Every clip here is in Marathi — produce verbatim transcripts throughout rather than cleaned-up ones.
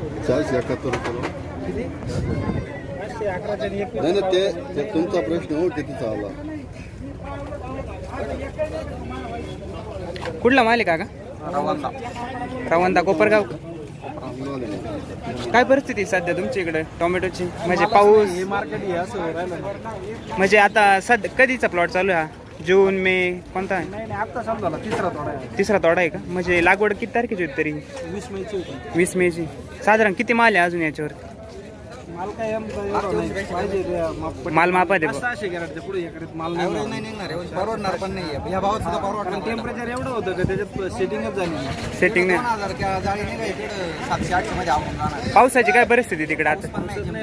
चारशे एकाहत्तर रुपये. किती पाचशे अकराच्या आणि एकवीस. नाही ना ते ते तुमचा प्रश्न हो कितीचा आला. कुठला माल आहे काका? रवंदा. रवंदा कोपरगाव. काय परिस्थिती आहे सध्या तुमच्या इकडे टोमॅटोची? म्हणजे पाऊस हे मार्केट हे असं राहिलं. म्हणजे आता सध्या कधीचा प्लॉट चालू आहे हा? जून मे कोणता आहे? नाही नाही आता समजा तिसरा थोडा आहे. तिसरा तोडा आहे का? म्हणजे लागवड किती तारखेची होती तरी? वीस मेची होती. वीस मेची. साधारण किती माल आहे अजून याच्यावर? माल काय आमचा एवढा नाही पाहिजे ते माप- माल मापा दे असं असे कॅरेटच्या पुढे एकरीत माल नाही निघणार. परवडणार पण नाही या भावात सुद्धा परवडणार. टेम्परेचर एवढं होतं का त्याच्यात सेटिंगच झाली नाही. सेटिंग नाही. जाळी नाही का इकडे सातशे आठशे मध्ये आवडून जाणार. पावसाची काय परिस्थिती तिकडे आता?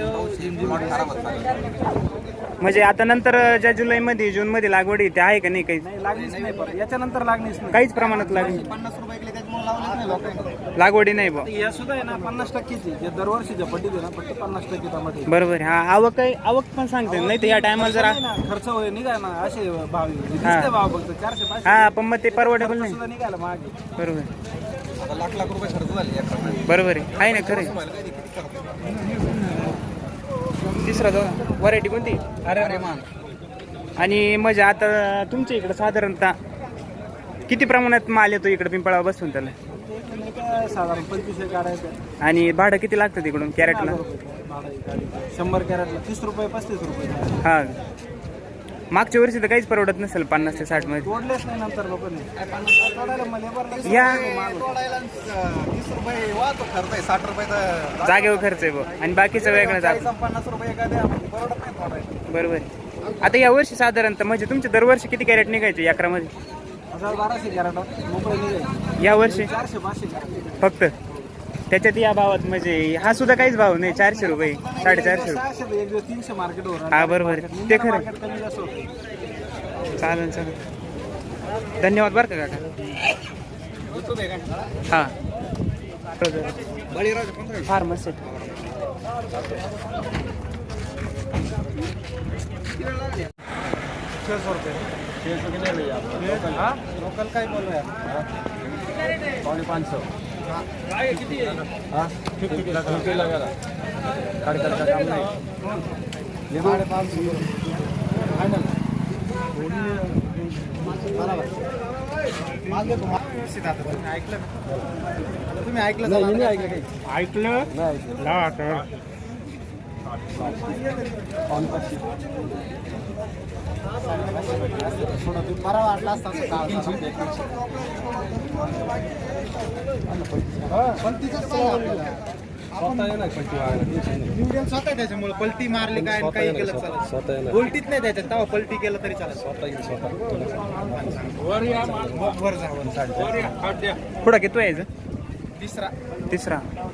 म्हणजे आता नंतर ज्या जुलैमध्ये जूनमध्ये लागवड आहे ते आहे का नाही? काही नाही लागलीच नाही परत याच्यानंतर लागलीच नाही. काहीच प्रमाणात लागली पन्नास रुपये इकडे त्याच्यामुळे लावलेच नाही लोकांनी. लागवडी नाही बा. या सुद्धा आहे ना पन्नास टक्केची जे दरवर्षीच्या पट्टीत आहे ना फक्त पन्नास टक्के टमाटे. बरोबर. हा आवक आहे, आवक पण सांगते नाही तर या टायमाला जरा नाही ना, खर्च होय निघाय ना असे भाव आहे. दिसते भाव फक्त चारशे पाचशे हा पण मग ते परवडेबल नाही. सुद्धा निघायला मागे. बरोबर लाख लाख रुपये खर्च झाले. बरोबर आहे. आहे ना खरं आहे. तिसरा जाऊ व्हरायटी कोणती? अरे मान. आणि म्हणजे आता तुमच्या इकडे साधारणतः किती प्रमाणात माल येतो इकडे पिंपळा बसून त्याला? काय साधारण पंचवीसशे काढायचं. आणि भाडं किती लागतं तिकडून कॅरेटला? शंभर कॅरेटला तीस रुपये पस्तीस रुपये. हा मागच्या वर्षी तर काहीच परवडत नसेल पन्नास ते साठ मध्ये. तोडलेच नाही नंतर लोकांनी. या तीस रुपये वाहतो खर्च आहे साठ रुपये जागेवर खर्च आहे बघ आणि बाकीचं वेगळं जातं. पन्नास रुपये एखाद्या परवडत नाही तोडायला. बरोबर. आता या वर्षी साधारणतः म्हणजे तुमचे दरवर्षी किती कॅरेट निघायचे अकरामध्ये? हजार बाराशे कॅरेट मोकळे निघायचे. या वर्षी चारशे पाचशे कॅरेट फक्त त्याच्यात या भावात म्हणजे हा सुद्धा काहीच भाव नाही. चारशे रुपये साडेचारशे रुपये. सहाशे एक दिवस तीनशे मार्केट वर. हा बरोबर ते खरं. कमी जास्त होतं. चालेल चालेल धन्यवाद बरं का काका. हा फार मस्त छह सौ रुपये. छह सौ कितने भैया? लोकल का ही बोल रहे हैं पौने पाँच सौ. किती हाँ फिफ्टी फिफ्टी लगा गाड़ी का काम नहीं. साढ़े पाँच सौ फाइनल. ऐकलं तुम्ही ऐकलं नाही ऐकलं काही ऐकलं नाही. बरा वाटला असता स्वतः त्याच्यामुळे पलटी मारली काय काही केलं चालत. उलटीत नाही त्याच्यात तेव्हा पलटी केलं तरी चालत. वर जा. पुढं किती यायचं? तिसरा तिसरा.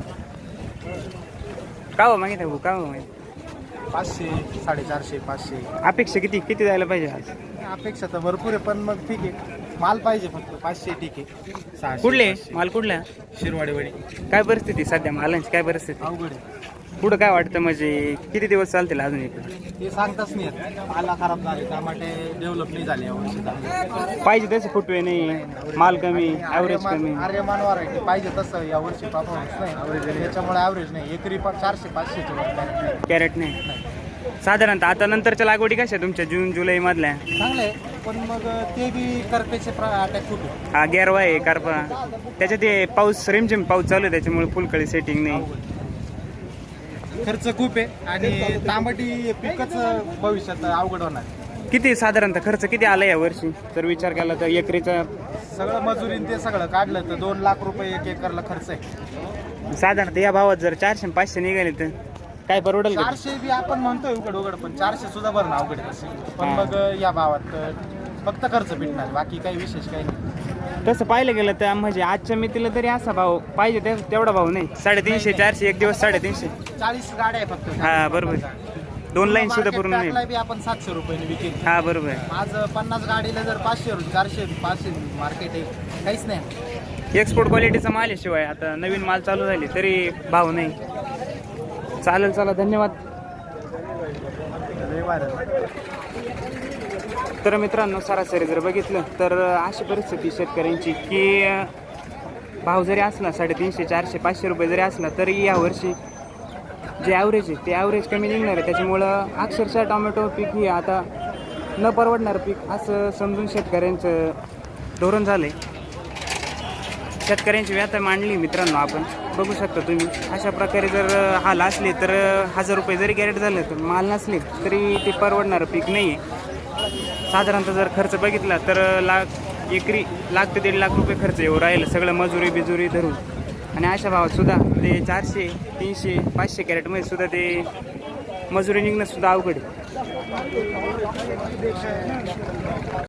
का हो माहिती आहे का हो माहिती? पाचशे साडेचारशे पाचशे. अपेक्षा किती किती जायला पाहिजे आज? अपेक्षा तर भरपूर आहे पण मग ठीक आहे माल पाहिजे फक्त पाचशे ठीक आहे. सहाशे कुठले पाचशे. माल कुठल्या? शिरवाडीवाडी. काय परिस्थिती सध्या मालांची? काय परिस्थिती अवघड आहे. पुढं काय वाटतं म्हणजे किती दिवस चालतील अजून इकडे? ते सांगताच नाही येत. माला खराब झाले टमाटे डेव्हलप नाही झाले यावर्षी. पाहिजे तसे फुटवे नाही, माल कमी, ॲव्हरेज कमी. आर्यमान व्हरायटी पाहिजे तसं यावर्षी परफॉर्मन्स नाही. त्याच्यामुळे ॲव्हरेज नाही. एकरी पण चारशे पाचशेच्या वर कॅरेट नाही. साधारणतः आता नंतरच्या लागवडी कशा तुमच्या जून जुलै मधल्या? चांगलं आहे पण मग ते बी करपेचे अटॅक खूप आहे. हा गेरवा आहे कारपा. त्याच्यात ते पाऊस रिमझिम पाऊस चालू आहे त्याच्यामुळे फुलकळी सेटिंग नाही. खर्च खूप आहे आणि तांबटी पिकच भविष्यात अवघड होणार. किती साधारणतः खर्च किती आला या वर्षी जर विचार केला तर? एकरीचा सगळं मजुरीन ते सगळं काढलं तर दोन लाख रुपये एक एकरला खर्च आहे. साधारणतः या भावात जर चारशे पाचशे निघाले तर काय परवडेल का? चारशे बी आपण म्हणतोय उघड उघड पण चारशे सुद्धा भरणं अवघड आहे तसं. पण मग या भावात फक्त खर्च भेटणार बाकी काही विशेष काही नाही. तसं पाहिलं गेलं तर म्हणजे आजच्या मितीला तरी असा भाव पाहिजे ते तेवढा भाव नाही. साडेतीनशे चारशे एक दिवस साडेतीनशे. चाळीस गाड्या आहे फक्त. हा बरोबर. दोन लाईन सुद्धा पूर्ण नाही. बी आपण सातशे रुपयाने विकेल. हा बरोबर. आज पन्नास गाडीला जर पाचशे चारशे पाचशे मार्केट आहे काहीच नाही. एक्सपोर्ट क्वालिटीचा माल आहे. शिवाय आता नवीन माल चालू झाली तरी भाव नाही. चालेल चला धन्यवाद. तर मित्रांनो सरासरी जर बघितलं तर अशी परिस्थिती शेतकऱ्यांची की भाव जरी असला साडेतीनशे चारशे पाचशे रुपये जरी असला तरी यावर्षी जे ॲव्हरेज आहे ते ॲव्हरेज कमी निघणार आहे. त्याच्यामुळं अक्षरशः टोमॅटो पीक ही आता न परवडणारं पीक असं समजून शेतकऱ्यांचं धोरण झालं आहे. शेतकऱ्यांची व्यथा मांडली मित्रांनो, आपण बघू शकता तुम्ही. अशा प्रकारे जर हाल असले तर हजार रुपये जरी कॅरेट झालं तर माल नसले तरी ते परवडणारं पीक नाही आहे. साधारणतः जर खर्च बघितला तर लाख एकरी लाख ते दीड लाख रुपये खर्च येऊ राहिलं सगळं मजुरी बिजुरी धरून. आणि अशा भावात सुद्धा ते चारशे तीनशे पाचशे कॅरेटमध्ये सुद्धा ते मजुरी निघणं सुद्धा अवघड आहे.